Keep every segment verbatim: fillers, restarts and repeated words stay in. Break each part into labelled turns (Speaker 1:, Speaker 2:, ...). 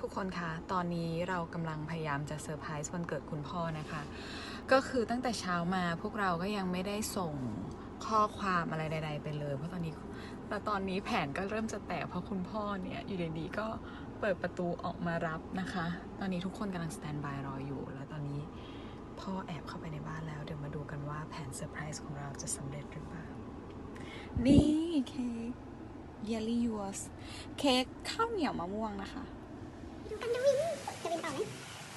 Speaker 1: ทุกคนคะตอนนี้เรากำลังพยายามจะเซอร์ไพรส์วันเกิดคุณพ่อนะคะก็คือตั้งแต่เช้ามาพวกเราก็ยังไม่ได้ส่งข้อความอะไรใดๆไปเลยเพราะตอนนี้แต่ตอนนี้แผนก็เริ่มจะแตกเพราะคุณพ่อเนี่ยอยู่ดีๆก็เปิดประตูออกมารับนะคะตอนนี้ทุกคนกำลังสแตนบายรออยู่แล้วตอนนี้พ่อแอบเข้าไปในบ้านแล้วเดี๋ยวมาดูกันว่าแผนเซอร์ไพรส์ของเราจะสำเร็จหรือเปล่านี่เค้ก Jelly Yours เค้กข้าวเหนียวมะม่วงนะคะ
Speaker 2: ดูกันจะวินจะวินต่อไหม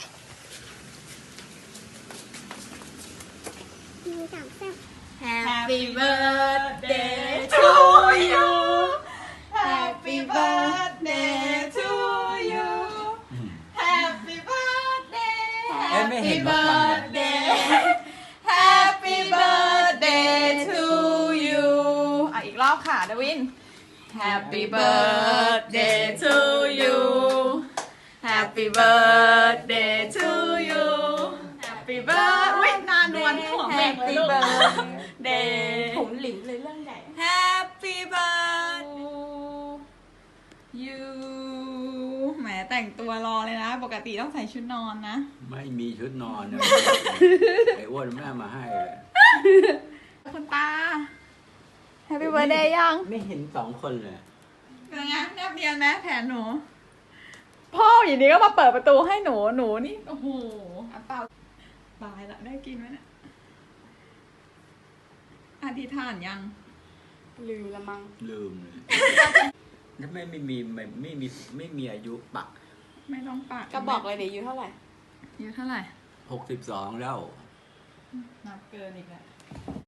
Speaker 2: หนึ่งสองสาม
Speaker 1: Happy birthday to you Happy birthday to you Happy birthday Happy birthday Happy birthday to you อ่ะอีกรอบค่ะดวิน Happy birthday to you Happy birthday to you Happy birthday นานนวลหัวแม่งเลยลูก Day
Speaker 3: ผมหลิวเลยเรื่องใหญ่
Speaker 1: Happy birthday you แหมแต่งตัวรอเลยนะ ปกติต้องใส่ชุดนอนนะ
Speaker 4: ไม่มีชุดนอนนะไอ้อ้วนแม่มาให้เลย
Speaker 1: คุณตา Happy birthday ยัง
Speaker 4: ไม่เห็นสองคนเลย
Speaker 1: เป็นไงแนบเนียนไหมแผนหนู พ่ออยู่ดีก็มาเปิดประตูให้หนูหนูนี่ โอ้โหเปล่าตายละได้กินไหมเนี่ยอธิษฐานยัง
Speaker 3: ลืมละมั้ง
Speaker 4: ลืมเลยถ้าไม่ไม่มีไม่ไม่มีไม่มีอายุปัก
Speaker 1: ไม่ต้องปาก
Speaker 3: ก็บอกเลยเดี๋ยวอายู่เท่าไหร่
Speaker 1: อายุเท่าไหร่
Speaker 4: หกสิบสองแล้ว
Speaker 1: นับเกินอีกแล้ว